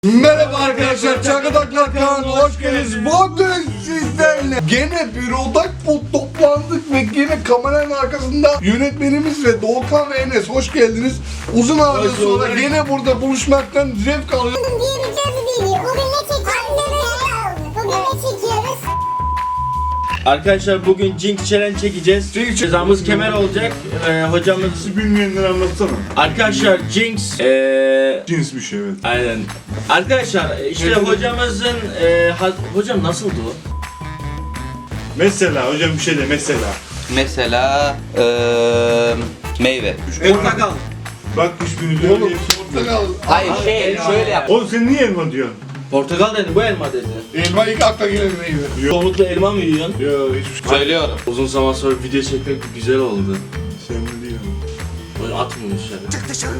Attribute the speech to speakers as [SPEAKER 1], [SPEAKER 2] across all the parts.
[SPEAKER 1] Merhaba arkadaşlar, Çakadaklar kanalına hoş geldiniz. Bugün sizlerle gene bir odak toplandık ve gene kameranın arkasında yönetmenimiz ve Doğukan ve Enes hoş geldiniz. Uzun aradan sonra gene burada buluşmaktan zevk alıyorum.
[SPEAKER 2] Diyebileceğiz bir video. Bugün ne çekiyoruz? Bugün ne çekiyoruz?
[SPEAKER 3] Arkadaşlar bugün Jinx Challenge çekeceğiz. Cezamız kemer olacak. Hocamız
[SPEAKER 4] Bilmeyenleri anlatsana.
[SPEAKER 3] arkadaşlar Jinx
[SPEAKER 4] Cins bir şey evet.
[SPEAKER 3] aynen. Arkadaşlar işte hocamızın hocam nasıldı o?
[SPEAKER 4] Mesela hocam bir şey de mesela.
[SPEAKER 5] Mesela meyve.
[SPEAKER 3] Portakal.
[SPEAKER 4] Bak hiçbirini
[SPEAKER 1] Oğlum,
[SPEAKER 4] öyle
[SPEAKER 1] portakal.
[SPEAKER 5] Hayır şöyle yap.
[SPEAKER 4] Oğlum sen niye elma diyorsun?
[SPEAKER 3] Portakal dedi, bu elma dedi.
[SPEAKER 1] Elma ilk akla gelen meyve.
[SPEAKER 3] Çoğunlukla elma mı yiyorsun?
[SPEAKER 4] Ya hiçbir şey.
[SPEAKER 5] Söylüyorum.
[SPEAKER 3] Uzun zaman sonra video çekmek güzel oldu.
[SPEAKER 4] Sen ne diyorsun?
[SPEAKER 3] Böyle atmıyor dışarı.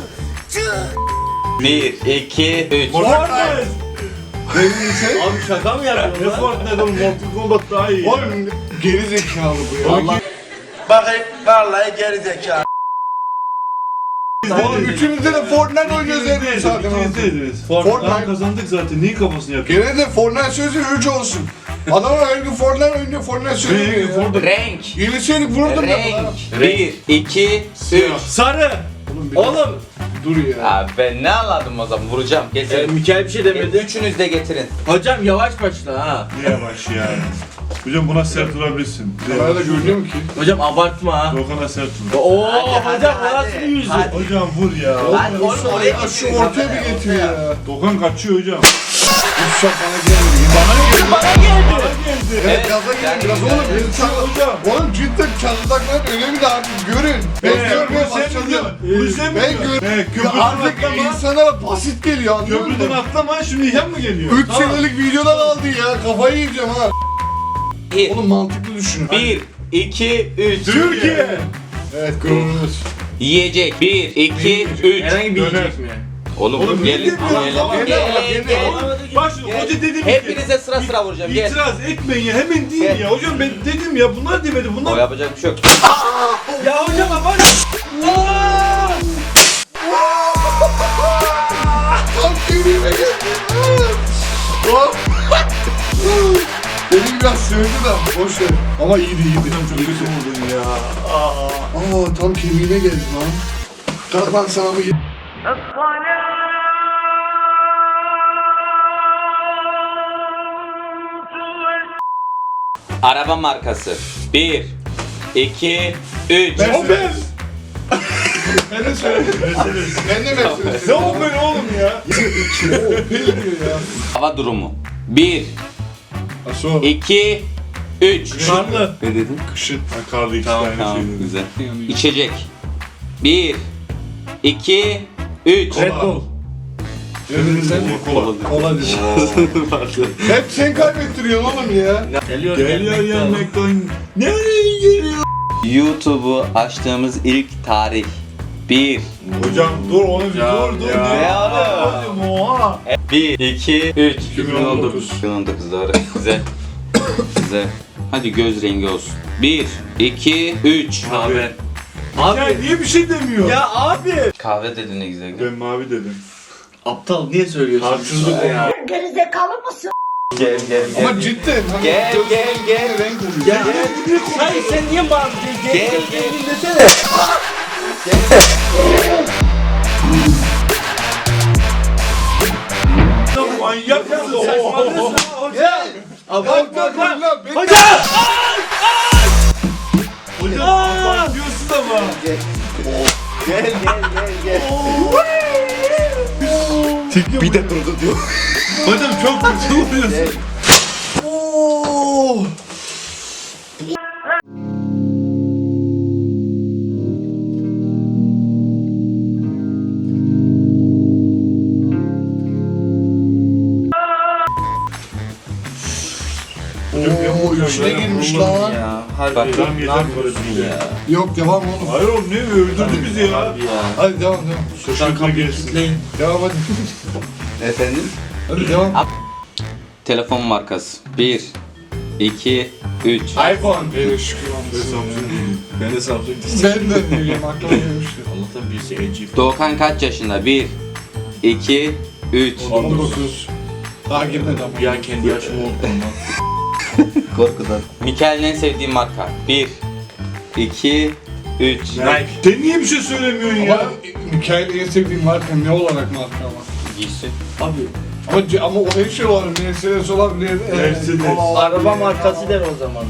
[SPEAKER 5] 1, 2, 3.
[SPEAKER 4] Fortnite!
[SPEAKER 3] Abi şaka mı yapıyorsun
[SPEAKER 4] Ne
[SPEAKER 3] lan?
[SPEAKER 4] Fortnite oğlum? Mortal Kombat daha iyi.
[SPEAKER 1] Oğlum geri zekalı bu ya.
[SPEAKER 3] Allah.
[SPEAKER 1] Oğlum üçümüzde de Fortnite oynuyoruz zaten.
[SPEAKER 4] İkimiz
[SPEAKER 1] Fortnite
[SPEAKER 4] kazandık zaten. Niye kafasını yapıyorsun?
[SPEAKER 1] Gene de Fortnite sözü 3 olsun. Adamlar her gün Fortnite oynuyor, Fortnite söylüyor ya.
[SPEAKER 4] Fortnite.
[SPEAKER 5] Renk.
[SPEAKER 1] Yeniseydik vururdum ya.
[SPEAKER 5] Renk. 1, 2, 3.
[SPEAKER 3] Sarı. Oğlum.
[SPEAKER 1] Dur ya.
[SPEAKER 5] Abi ben ne anladım o zaman? Vuracağım. Getirin.
[SPEAKER 3] Mikael bir şey demedi.
[SPEAKER 5] Üçünüz de getirin.
[SPEAKER 3] Hocam yavaş başla ha.
[SPEAKER 4] Ne yavaş ya. Hocam buna sert vurabilirsin.
[SPEAKER 1] Kamerada görünüyor mu ki?
[SPEAKER 3] Hocam abartma ha.
[SPEAKER 4] Dokan'a sert vur.
[SPEAKER 3] Oo
[SPEAKER 5] Hadi,
[SPEAKER 3] hocam
[SPEAKER 5] hadi,
[SPEAKER 3] orası bir yüzü.
[SPEAKER 5] hadi.
[SPEAKER 4] Hocam vur ya.
[SPEAKER 5] Hadi oğlum oraya
[SPEAKER 1] Ya şu
[SPEAKER 5] getirin.
[SPEAKER 1] ortaya bir getir ya.
[SPEAKER 4] Dokan kaçıyor hocam.
[SPEAKER 1] Üç şap bana geldi.
[SPEAKER 3] Bana geldi.
[SPEAKER 1] Evet,
[SPEAKER 5] Evet,
[SPEAKER 1] gaza gelin
[SPEAKER 5] yani
[SPEAKER 1] biraz
[SPEAKER 5] güzel.
[SPEAKER 1] oğlum. Beni
[SPEAKER 4] Hocam.
[SPEAKER 1] Oğlum cidden çatırdakların önemi de artık görün. Ben görmeye başladım.
[SPEAKER 4] Bunu sen mi
[SPEAKER 1] Ben
[SPEAKER 4] diyorsun?
[SPEAKER 1] gör. Ya
[SPEAKER 4] Köprüden
[SPEAKER 1] artık
[SPEAKER 4] atlama.
[SPEAKER 1] insanlara basit geliyor anlıyor
[SPEAKER 4] Köprüden
[SPEAKER 1] musun?
[SPEAKER 4] atlama şimdi yan mı geliyor?
[SPEAKER 1] 3 senelik videolar aldı ya. Kafayı yiyeceğim ha.
[SPEAKER 5] 1,
[SPEAKER 1] Oğlum mantıklı düşünün.
[SPEAKER 5] 2, 3.
[SPEAKER 4] Türkiye.
[SPEAKER 1] Evet görünürüz.
[SPEAKER 5] Yiyecek. 1, 2, 3.
[SPEAKER 3] Herhangi bir
[SPEAKER 4] Döner.
[SPEAKER 3] yiyecek mi?
[SPEAKER 5] Oğlum
[SPEAKER 4] Oğlum,
[SPEAKER 5] gelin.
[SPEAKER 4] ne demiyorsun?
[SPEAKER 5] Gelin.
[SPEAKER 4] Tamam,
[SPEAKER 5] Gel.
[SPEAKER 4] Bak şimdi
[SPEAKER 5] Gel.
[SPEAKER 4] hoca dedim
[SPEAKER 5] Hepinize sıra sıra vuracağım. Gel.
[SPEAKER 4] İtiraz etmeyin ya hemen değil
[SPEAKER 5] Gel.
[SPEAKER 4] ya. Hocam ben dedim ya bunlar demedi
[SPEAKER 5] O
[SPEAKER 4] bunlar.
[SPEAKER 5] yapacak bir şey yok.
[SPEAKER 3] Ya hocam abart.
[SPEAKER 1] Tam kemiğime geldi. Hop. Benim biraz sövdü de boş ver. Ama iyiydi iyiydi.
[SPEAKER 4] Hocam çok kötü vurdun ya.
[SPEAKER 1] Aa tam kemiğine geldi lan. Kalk lan sana bir...
[SPEAKER 5] Araba markası. 1, 2, 3.
[SPEAKER 4] Opel.
[SPEAKER 1] Ben de söyledim.
[SPEAKER 4] Mercedes.
[SPEAKER 1] Ben de Mercedes.
[SPEAKER 4] Ne Opel oğlum ya?
[SPEAKER 1] Opel diyor ya.
[SPEAKER 5] Hava durumu. 1,
[SPEAKER 1] Aso.
[SPEAKER 5] 2, 3.
[SPEAKER 4] Karlı.
[SPEAKER 5] Ne dedin?
[SPEAKER 4] Kışın. Ha, karlı iki
[SPEAKER 5] Tamam
[SPEAKER 4] tane
[SPEAKER 5] tamam
[SPEAKER 4] şey dedim.
[SPEAKER 5] güzel. İçecek. 1, 2, 3.
[SPEAKER 4] Red Bull.
[SPEAKER 1] Sen
[SPEAKER 4] Kola.
[SPEAKER 1] kola dedi. Hep sen kaybettiriyorsun oğlum ya.
[SPEAKER 3] Geliyor
[SPEAKER 4] Geliyor yanmaktan. Nereye geliyor?
[SPEAKER 5] YouTube'u açtığımız ilk tarih. 1,
[SPEAKER 4] Hocam dur onu bir
[SPEAKER 3] Ya,
[SPEAKER 4] dur dur.
[SPEAKER 3] ya.
[SPEAKER 5] Ne oğlum?
[SPEAKER 4] Hocam oha.
[SPEAKER 5] 1, 2, 3.
[SPEAKER 4] 2019.
[SPEAKER 5] 2019 doğru. Güzel. Güzel. Hadi göz rengi olsun. 1, 2, 3.
[SPEAKER 3] Abi.
[SPEAKER 4] Ya
[SPEAKER 3] Abi.
[SPEAKER 4] niye bir şey demiyor?
[SPEAKER 3] Ya abi.
[SPEAKER 5] Kahve dedin ne güzel.
[SPEAKER 4] Ben mavi dedim.
[SPEAKER 3] Aptal niye söylüyorsun?
[SPEAKER 4] Haksızlık
[SPEAKER 3] ya.
[SPEAKER 2] Gerizekalı mısın?
[SPEAKER 5] Gel gel
[SPEAKER 1] Ama cidden. Hani
[SPEAKER 5] Gel, gel, gel.
[SPEAKER 1] Renk oluyor.
[SPEAKER 3] Ya. Hayır sen niye bağırdın?
[SPEAKER 5] Gel, gel.
[SPEAKER 3] Desene.
[SPEAKER 4] Manyak mısın?
[SPEAKER 3] Saçmalıyorsun ha hocam.
[SPEAKER 1] Bak bak bak lan. Ben...
[SPEAKER 3] Hocam.
[SPEAKER 4] Hocam abartıyorsun ama.
[SPEAKER 5] Gel gel gel.
[SPEAKER 1] Bir de durdu diyor.
[SPEAKER 4] Hocam çok kötü vuruyorsun.
[SPEAKER 1] Oo içine girmiş lan.
[SPEAKER 3] Ya.
[SPEAKER 5] Bak,
[SPEAKER 3] Harbi.
[SPEAKER 4] Tamam
[SPEAKER 3] Ne
[SPEAKER 4] yeter
[SPEAKER 3] yapıyorsun
[SPEAKER 4] böyle
[SPEAKER 3] ya?
[SPEAKER 1] Yok devam oğlum.
[SPEAKER 4] Hayır oğlum ne öldürdü bizi ya.
[SPEAKER 3] Abi ya.
[SPEAKER 1] Hadi devam devam.
[SPEAKER 3] Şuradan kapıyı kilitleyin.
[SPEAKER 1] Devam hadi.
[SPEAKER 5] Efendim?
[SPEAKER 1] Hadi devam.
[SPEAKER 5] Telefon markası. 1, 2, 3.
[SPEAKER 1] iPhone. Evet şükür
[SPEAKER 4] Ben Samsung.
[SPEAKER 3] Ben de Samsung
[SPEAKER 1] Ben de biliyorum aklıma gelmişti.
[SPEAKER 3] Allah'tan birisi LG.
[SPEAKER 5] Doğukan kaç yaşında? 1, 2, 3.
[SPEAKER 1] 19. Daha girmedi ama.
[SPEAKER 4] Bir an kendi yaşımı unuttum lan.
[SPEAKER 6] Korkudan.
[SPEAKER 5] Mikael'in en sevdiği marka. 1, 2, 3.
[SPEAKER 4] Nike. Sen niye bir şey söylemiyorsun
[SPEAKER 1] Ama
[SPEAKER 4] ya?
[SPEAKER 1] Mikael'in en sevdiğim marka ne olarak marka ama?
[SPEAKER 5] Giysi.
[SPEAKER 1] Ama o her şey var. Mercedes olabilir.
[SPEAKER 4] Mercedes.
[SPEAKER 1] kola olabilir.
[SPEAKER 3] Araba markası der o zaman.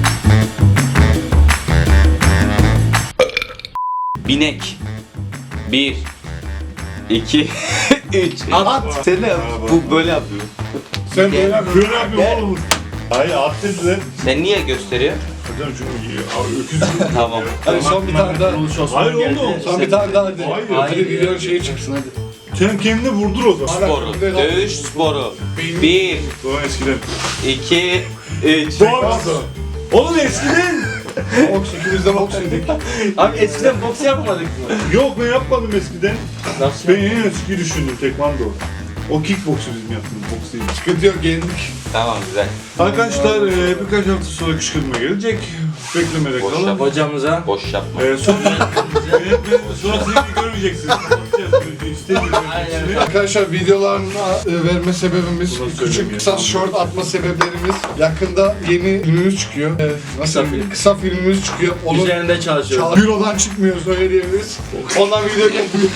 [SPEAKER 5] Binek. 1, 2, 3.
[SPEAKER 3] At.
[SPEAKER 6] Sen ne yapıyorsun? Bu böyle yapıyor.
[SPEAKER 1] Sen böyle yap.
[SPEAKER 4] Böyle yapıyor oğlum. Hayır at dediler.
[SPEAKER 5] Sen niye gösteriyor?
[SPEAKER 4] Hocam çünkü abi öküz.
[SPEAKER 5] Tamam.
[SPEAKER 1] Hadi son bir tane daha.
[SPEAKER 4] Hayır oğlum.
[SPEAKER 1] Son bir tane daha hadi.
[SPEAKER 4] Hayır.
[SPEAKER 1] Hadi videonun şeyi çıksın hadi.
[SPEAKER 4] Sen kendini vurdur o zaman.
[SPEAKER 5] Sporu. Dövüş sporu. 1,
[SPEAKER 4] Doğru eskiden.
[SPEAKER 5] 2, 3.
[SPEAKER 4] Boks. Oğlum eskiden.
[SPEAKER 1] Boks ikimiz de boks yedik.
[SPEAKER 3] Abi eskiden boks yapmadık mı?
[SPEAKER 4] Yok ben yapmadım eskiden.
[SPEAKER 3] Nasıl?
[SPEAKER 4] Ben en eski düşündüm tekvando. O kickboksu bizim yaptığımız boks değil.
[SPEAKER 1] Sıkıntı yok yendik.
[SPEAKER 5] Tamam güzel.
[SPEAKER 4] Arkadaşlar birkaç hafta sonra kışkırtma gelecek. Beklemede
[SPEAKER 5] Boş
[SPEAKER 4] kalın.
[SPEAKER 5] yap.
[SPEAKER 3] Hocamıza
[SPEAKER 5] Boş yapma.
[SPEAKER 4] Sonra sizi görmeyeceksiniz. Kapatacağız. İstemiyorum.
[SPEAKER 1] Arkadaşlar videolarına verme sebebimiz,
[SPEAKER 4] Bunu
[SPEAKER 1] küçük
[SPEAKER 4] söyleyeyim
[SPEAKER 1] kısa
[SPEAKER 4] ya.
[SPEAKER 1] short atma sebeplerimiz. Yakında yeni filmimiz çıkıyor. Nasıl
[SPEAKER 3] Kısa
[SPEAKER 1] kısa filmimiz çıkıyor. Onun
[SPEAKER 3] üzerinde çalışıyoruz.
[SPEAKER 1] bürodan çıkmıyoruz öyle diyebiliriz. Ondan video gelmiyor.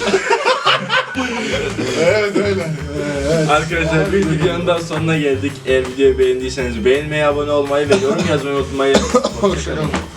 [SPEAKER 1] Evet öyle. Evet.
[SPEAKER 3] Arkadaşlar bir videonun daha sonuna geldik. Eğer videoyu beğendiyseniz beğenmeyi, abone olmayı ve yorum yazmayı unutmayın.
[SPEAKER 1] Hoşçakalın.